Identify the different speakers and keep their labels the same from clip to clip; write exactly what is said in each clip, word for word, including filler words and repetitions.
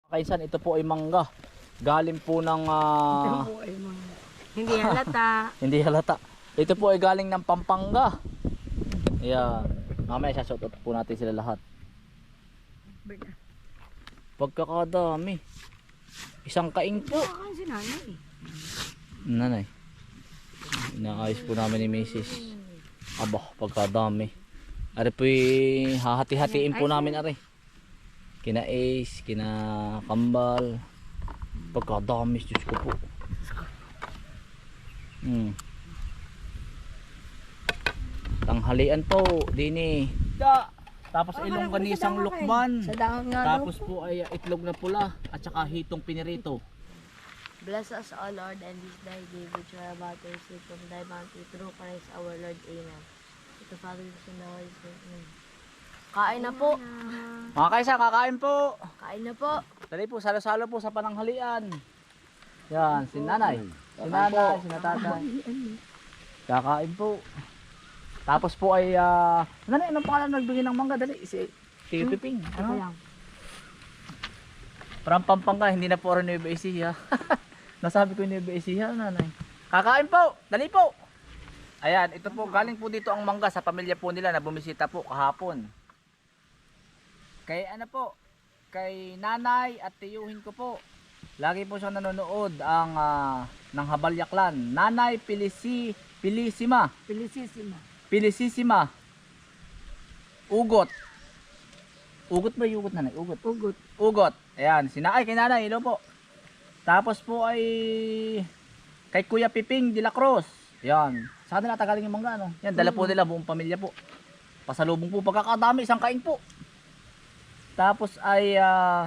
Speaker 1: Kaisan, ito po ay mangga. Galing po ng ah,
Speaker 2: Ito po ay mga hindi halata.
Speaker 1: hindi halata. Ito po ay galing ng Pampanga. Ayan. Mamaya shoutout po natin sila lahat. Pagkakadami. Isang kaing po.
Speaker 2: Baka si nanay.
Speaker 1: Nanay. Inaayos po namin ni Missus Aba, pagkadami. Ari po hahati-hatiin po namin ari. Kina Ace, kina Kambal. Pagkadami, Diyos ko po. Hmm. Tanghalian po, dini. Da. Tapos
Speaker 2: Oh,
Speaker 1: ilong
Speaker 2: marami
Speaker 1: ganisang
Speaker 2: sa dahon,
Speaker 1: lukban.
Speaker 2: Sa dahon nga daw
Speaker 1: Tapos po ay itlog na pula at saka hitong pinirito.
Speaker 3: Bless us, O Lord, and this thy day which we are about to receive from thy bounty through Christ our Lord. Amen. Ito, Father, Son, and Holy Spirit. Amen. Kain na po.
Speaker 1: Mga kaisa, kakain po.
Speaker 3: Kain na po.
Speaker 1: Dali po, salo-salo po sa pananghalian. Yan, si nanay. Si nanay, si natatay. Kakain po. Tapos po ay, ah, nanay, anong pangalan nagbigay ng mangga? Dali, si Tio Piping.
Speaker 2: Ano
Speaker 1: Ano?
Speaker 2: lang.
Speaker 1: Parang Pampanga, hindi na po rin Nueva Ecija. Nasabi ko Nueva Ecija, nanay. Kakain po, dali po. Ayan, ito po, galing po dito ang mangga sa pamilya po nila na bumisita po kahapon. Kay ano po, kay nanay at tiyuhin ko po. Lagi po siya nanonood ang ah, ng Habalyaklan. Nanay Pilisi, Pilisima,
Speaker 2: Felicissima.
Speaker 1: Pilisisima. Ugot. Ugot ba yung ugot, nanay? Ugot.
Speaker 2: Ugot.
Speaker 1: Ugot. Ayan, sinakay kay nanay, hello po. Tapos po ay kay Kuya Piping de la Cruz. Ayan. Saan na natagaling yung mangga, ano? Yan, dala po nila, buong pamilya po. Pasalubong po, pagkakadami, isang kain po. Tapos ay ah,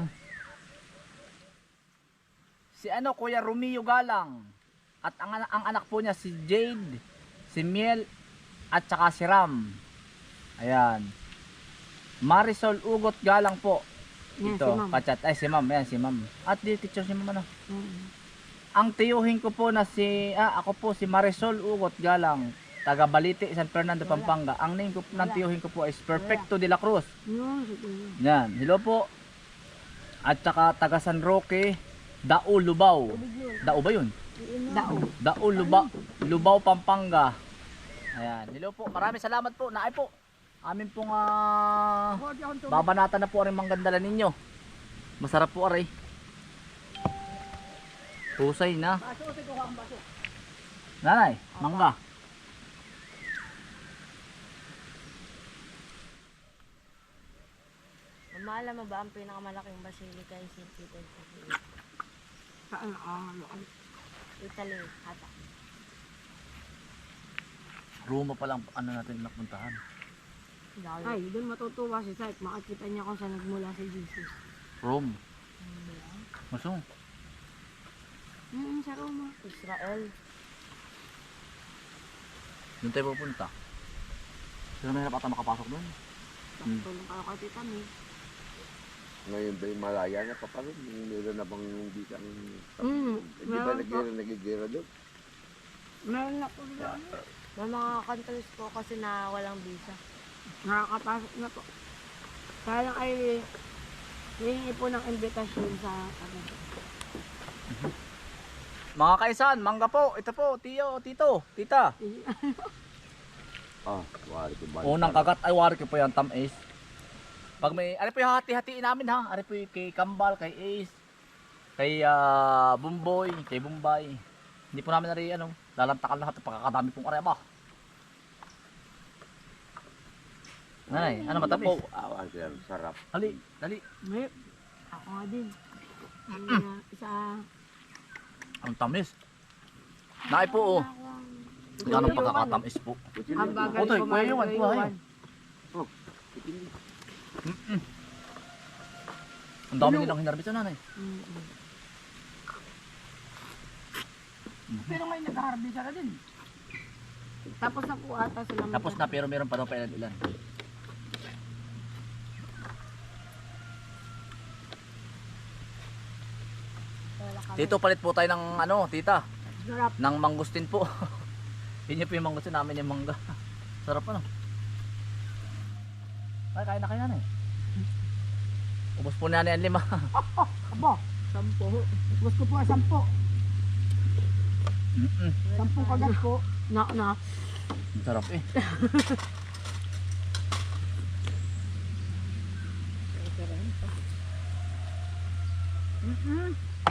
Speaker 1: si ano, Kuya Romeo Galang. At ang, ana- ang anak po niya si Jade, si Miel, at saka si Ram. Ayan. Marisol Ugot Galang po.
Speaker 2: Yan,
Speaker 1: Ito,
Speaker 2: si Ma'am.
Speaker 1: kachat. Ay, si ma'am. Ayan, si ma'am. At di picture si ma'am, ano.
Speaker 2: Mm.
Speaker 1: Ang tiyuhin ko po na si, ah, ako po si Marisol Ugot Galang. Taga Balite, San Fernando, Pampanga. Ang name ko, ng tiyuhin ko po is Perfecto de la Cruz.
Speaker 2: Yun, siguro.
Speaker 1: Yan, hello po. At saka taga San Roque, Dao Lubao. Dao ba yun?
Speaker 2: Dao.
Speaker 1: Dao Lubao, Lubao, Pampanga. Ayan, hello po. Maraming salamat po. Naay po. Amin pong ah, babanatan na po ang manggandala ninyo. Masarap po aray. Pusay na. Nanay, mangga.
Speaker 3: Mama, alam mo ba ang pinakamalaking basilika ay Saint Peter sa Philippines?
Speaker 2: Saan? Ah, ano?
Speaker 3: Italy, hata.
Speaker 1: Roma pa lang ano natin napuntahan.
Speaker 3: Dali.
Speaker 2: Ay, doon matutuwa si Saik. Makakita niya kung saan nagmula si Jesus.
Speaker 1: Rome. Masong.
Speaker 2: Mm, sa Roma.
Speaker 3: Israel.
Speaker 1: Doon tayo pupunta. Sino mahirap ata makapasok doon? Hmm.
Speaker 2: Tulong kayo kay Tita May.
Speaker 4: Ngayon ba yung malaya na pa pa rin? Meron na bang hindi kang...
Speaker 2: Mm,
Speaker 4: Hindi ba
Speaker 2: meron
Speaker 4: nag- nagigira doon?
Speaker 2: Meron na po doon.
Speaker 3: May mga countries po kasi na walang visa.
Speaker 2: Nakakapasok na po. Kaya lang ay hihingi po ng invitation sa ano.
Speaker 1: Mga kaisan, mangga po. Ito po, tiyo, tito, tita.
Speaker 4: Ah, wari ko ba?
Speaker 1: Unang kagat ay wari ko po yan, Tam Ace. Pag may, ari po yung hati-hatiin namin ha. Ari po yung kay Kambal, kay Ace, kay ah, Bumboy, kay Bumbay. Hindi po namin nari ano, lalantakan lahat. Pagkakadami pong ari ba. Nanay, ano matamis?
Speaker 4: Ah, ang sarap, sarap.
Speaker 1: Dali, dali.
Speaker 2: May, ako nga din. Uh, isa,
Speaker 1: Ang tamis. Naay po oh. Yan ang pagkakatamis po.
Speaker 2: ang bagal
Speaker 1: Otoy,
Speaker 2: ko
Speaker 1: kuya Yuan, kuha yun.
Speaker 4: Oh, itin-
Speaker 1: Ang dami nilang hinarbit sa nanay.
Speaker 2: Pero ngayon nag-harvest na din. Tapos na po ata sila.
Speaker 1: Tapos na pero meron pa daw pa ilan-ilan. Dito palit po tayo ng ano, tita,
Speaker 2: Sarap.
Speaker 1: ng mangustin po. Yun po yung mangustin namin yung mangga. Sarap ano. Ay, kain na kayo na eh. Ubus po na ang lima.
Speaker 2: Aba, sampo. Gusto ko po ay sampo.
Speaker 1: Mm-mm.
Speaker 2: Sampung kagat po. Na, na.
Speaker 1: Ang sarap eh.
Speaker 2: Mm-mm.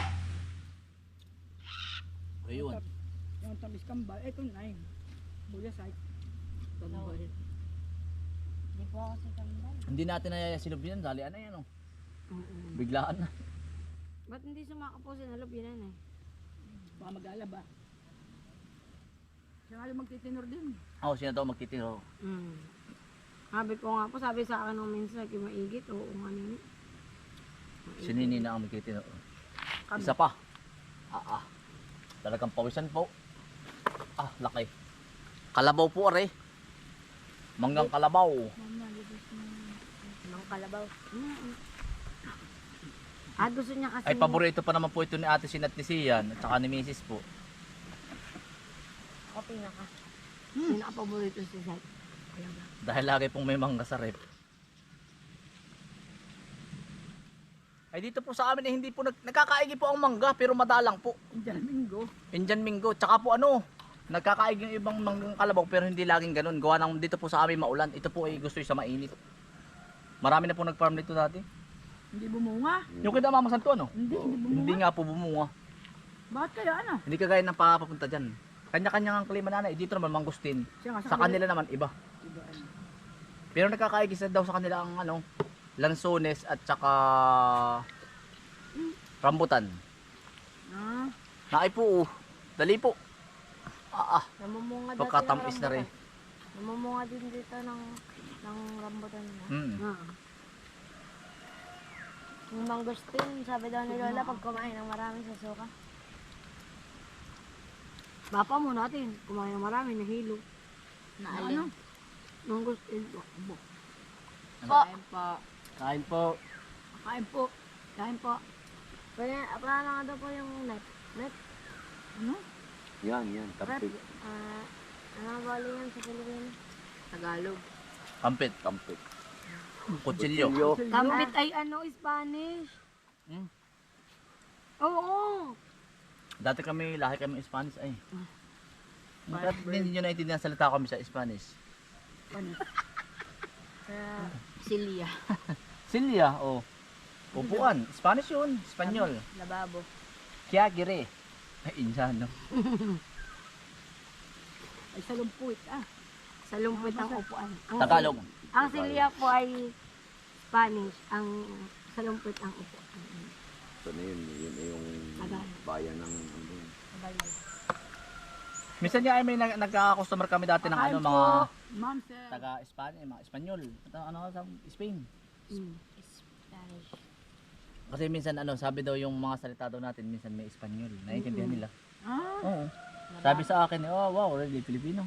Speaker 1: Ayun.
Speaker 2: Yung tamis kambal. Ito na yun. Buya side. Kambal.
Speaker 3: Hindi po ako si Kambal.
Speaker 1: Hindi natin nayayasilob yan. Dalian na yan oh.
Speaker 2: Mm-mm.
Speaker 1: Biglaan na.
Speaker 3: Ba't hindi sumakapo si Nalob yun eh?
Speaker 2: Baka mag-alaba. Siya nga yung magtitinor din.
Speaker 1: Oo, oh, sino daw magtitiro?
Speaker 3: Mm. Sabi ko nga po, sabi sa akin nung minsan, kung maigit, oo nga nini.
Speaker 1: Sinini na ang magtitiro. Isa pa. Ah, ah. Talagang pawisan po. Ah, laki. Kalabaw po are. Manggang kalabaw.
Speaker 3: Mang kalabaw. Mm. Ah, gusto niya kasi.
Speaker 1: Ay, paborito pa naman po ito ni Ate Sin at ni Sian at saka ni Missus po.
Speaker 3: Ako pinaka.
Speaker 2: Hmm. Pinaka-paborito si Zach.
Speaker 1: Dahil lagi pong may mangga sa rep. Ay dito po sa amin eh, hindi po nag nagkakaigi po ang mangga pero madalang po.
Speaker 2: Indian Mingo.
Speaker 1: Indian Mingo. Tsaka po ano, nagkakaigi yung ibang manggang kalabaw pero hindi laging ganun. Gawa ng dito po sa amin maulan. Ito po ay gusto yung sa mainit. Marami na po nag-farm dito dati.
Speaker 2: Hindi bumunga.
Speaker 1: Yung kita Mama Santo ano?
Speaker 2: Hindi, hindi bumunga.
Speaker 1: Hindi nga po bumunga.
Speaker 2: Bakit kaya ano?
Speaker 1: Hindi kagaya ng papapunta dyan. Kanya-kanya ang klima nanay. Dito naman mangustin.
Speaker 2: Siya nga
Speaker 1: Sa kanila naman iba.
Speaker 2: Iba, ano.
Speaker 1: Pero nagkakaigis na daw sa kanila ang ano, lansones at saka rambutan.
Speaker 2: Ah,
Speaker 1: Naay po, oh. Dali po. Ah, ah.
Speaker 3: Namumunga dati
Speaker 1: Pagkatamis na rin.
Speaker 3: Namumunga din dito ng, ng rambutan na.
Speaker 1: Hmm.
Speaker 2: ah.
Speaker 3: Yung mangosteen, sabi daw ni Lola, pag kumain ng marami sa suka.
Speaker 2: Bapa mo natin, kumain ng marami, nahilo.
Speaker 3: Na
Speaker 2: Ano? Mangustin po. Abo.
Speaker 3: Po.
Speaker 2: Kain po.
Speaker 1: Kain po.
Speaker 2: Kain po. Kain po.
Speaker 3: Pwede, wala na nga daw po yung net. Net?
Speaker 2: Ano?
Speaker 4: Yan, yan.
Speaker 3: Rep.
Speaker 4: Kampit.
Speaker 3: Ah, ano bali yan sa Pilipinas? Tagalog.
Speaker 1: Kampit.
Speaker 4: Kampit.
Speaker 1: Kutsilyo.
Speaker 2: Kampit ay ano, Spanish.
Speaker 1: Hmm.
Speaker 2: Oo.
Speaker 1: Dati kami, lahi kami Spanish ay. Bakit hindi nyo naintindihan salita kami sa Spanish?
Speaker 3: Sa Silya.
Speaker 1: Silya, oh. Upuan. Spanish yun. Espanyol.
Speaker 3: Lababo.
Speaker 1: Kya gire. Ay, insan, no?
Speaker 2: Ay salumpuit ah.
Speaker 3: Sa lumpit ang upuan. Ang
Speaker 1: Tagalog.
Speaker 3: Ang Silya po ay Spanish. Ang sa lumpit ang upuan.
Speaker 4: Ito na yun. Yun ay yung bayan ng ano.
Speaker 1: Minsan niya ay may nag- nagka-customer kami dati ng ano, mga
Speaker 2: Ma'am sir.
Speaker 1: taga Espanya, mga Espanyol. Ito, ano, sa Spain.
Speaker 2: Mm.
Speaker 3: Spanish.
Speaker 1: Kasi minsan ano, sabi daw yung mga salita daw natin, minsan may Espanyol. Naiintindihan nila.
Speaker 2: Ah,
Speaker 1: Oo. Sabi sa akin, oh wow, really Filipino.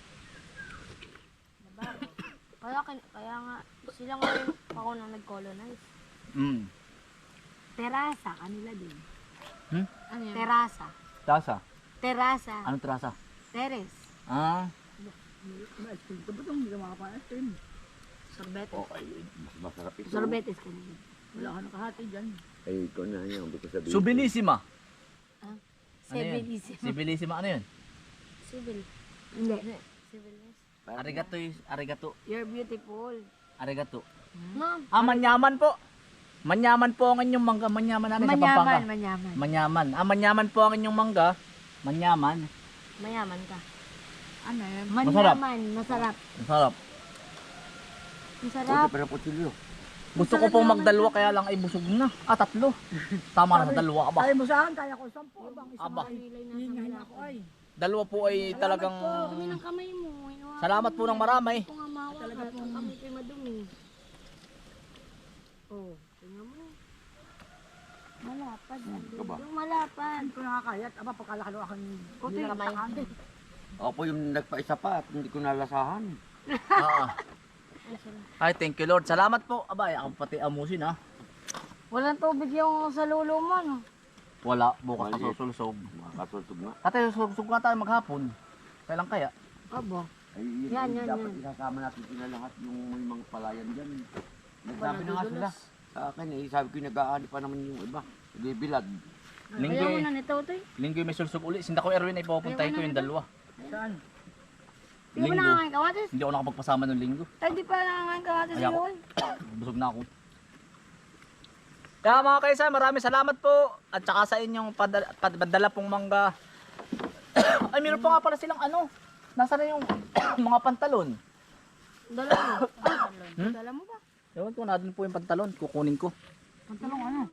Speaker 3: Lababo. Kaya, kin- kaya nga, sila nga rin ako nang nag-colonize.
Speaker 1: Mm.
Speaker 2: terasa kanila din.
Speaker 1: Hmm?
Speaker 3: Ano yan?
Speaker 2: Terasa.
Speaker 1: Trasa.
Speaker 2: Terasa.
Speaker 1: Anong trasa?
Speaker 2: Teres.
Speaker 1: Ah.
Speaker 2: Ma-ice cream. Ito ba itong hindi ka makakain ice cream?
Speaker 3: Sorbete.
Speaker 4: Okay. Mas masarap ito.
Speaker 2: Sorbetes kanila. Wala ka nakahati dyan.
Speaker 4: Ay, ikaw na yan. Hindi ko sabihin.
Speaker 1: Subilissima.
Speaker 3: Ah,
Speaker 1: Ano yun?
Speaker 3: Civilisimo.
Speaker 1: Sibilissima ano yun?
Speaker 3: Civil.
Speaker 2: Hindi.
Speaker 3: Civilness.
Speaker 1: Arigato, is- arigato.
Speaker 2: You're beautiful.
Speaker 1: Arigato.
Speaker 3: No.
Speaker 1: Ah, manyaman po. Manyaman po ang inyong mangga. Manyaman namin sa Pampanga.
Speaker 2: Manyaman, manyaman.
Speaker 1: Manyaman. Ah, manyaman po ang inyong mangga. Manyaman.
Speaker 3: Mayaman ka.
Speaker 2: Ano yan?
Speaker 1: Masarap.
Speaker 2: Manyaman, masarap.
Speaker 1: Ang sarap.
Speaker 2: Masarap.
Speaker 4: Pwede pa na putsilyo.
Speaker 1: Gusto ko pong magdalawa kaya lang ay busog na. Ah, tatlo. Tama na sa dalawa. Aba.
Speaker 2: Kaya mo saan, kaya ko sampu. Abang isang
Speaker 1: Aba.
Speaker 2: hihingahin ako ay.
Speaker 1: Dalawa po ay talagang...
Speaker 3: Dumi ng kamay mo. Inuwa
Speaker 1: Salamat po ng marami.
Speaker 3: ko nga mawa
Speaker 2: Talaga
Speaker 3: ka.
Speaker 2: pong-
Speaker 3: Kami kayo madumi.
Speaker 2: Oh, tingnan mo. Malapad.
Speaker 4: Ito ba?
Speaker 3: Yung malapad.
Speaker 2: Hindi ko nakakayat. Aba, pagkalakalo akong
Speaker 3: Kuto yung kamay.
Speaker 4: Ako po yung nagpaisa pa at hindi ko nalasahan.
Speaker 1: Ah. Ay, thank you Lord. Salamat po. Abay, ako pati amusin ha.
Speaker 3: Walang tubig yung sa lulo mo, no?
Speaker 1: Wala. Bukas
Speaker 4: Maliit.
Speaker 1: kasusulsog.
Speaker 4: Kasultog nga.
Speaker 1: Tatay, susug nga tayo maghapon. Kailan kaya?
Speaker 2: Aba.
Speaker 4: Ay, yun,
Speaker 2: Yan,
Speaker 4: ay,
Speaker 2: yan,
Speaker 4: dapat
Speaker 2: yan.
Speaker 4: isasama natin sila lahat yung may mga palayan dyan. Nagsabi na nga sila. Sa akin eh, sabi ko nag-aani pa naman yung iba. Bibilad.
Speaker 1: Linggo,
Speaker 3: Ayaw mo na nito, Toy.
Speaker 1: linggo may sulsog uli. Sinda ko Erwin ay pupuntahin ko yung dalawa.
Speaker 2: Saan? Di ba
Speaker 1: Linggo.
Speaker 2: nakakain kamatis?
Speaker 1: Hindi ako nakapagpasama ng linggo.
Speaker 2: Ay, di pa nakakain kamatis
Speaker 1: Ayaw ko.
Speaker 2: yun.
Speaker 1: Busog na ako. Kaya mga kaisa, maraming salamat po. At saka sa inyong padala, padala pong mangga. Ay, meron pa nga pala silang ano. Nasa na yung mga pantalon.
Speaker 2: Dala mo.
Speaker 1: Hmm?
Speaker 2: Dala mo ba?
Speaker 1: Ewan ko, na po yung pantalon. Kukunin ko.
Speaker 2: Pantalong ano?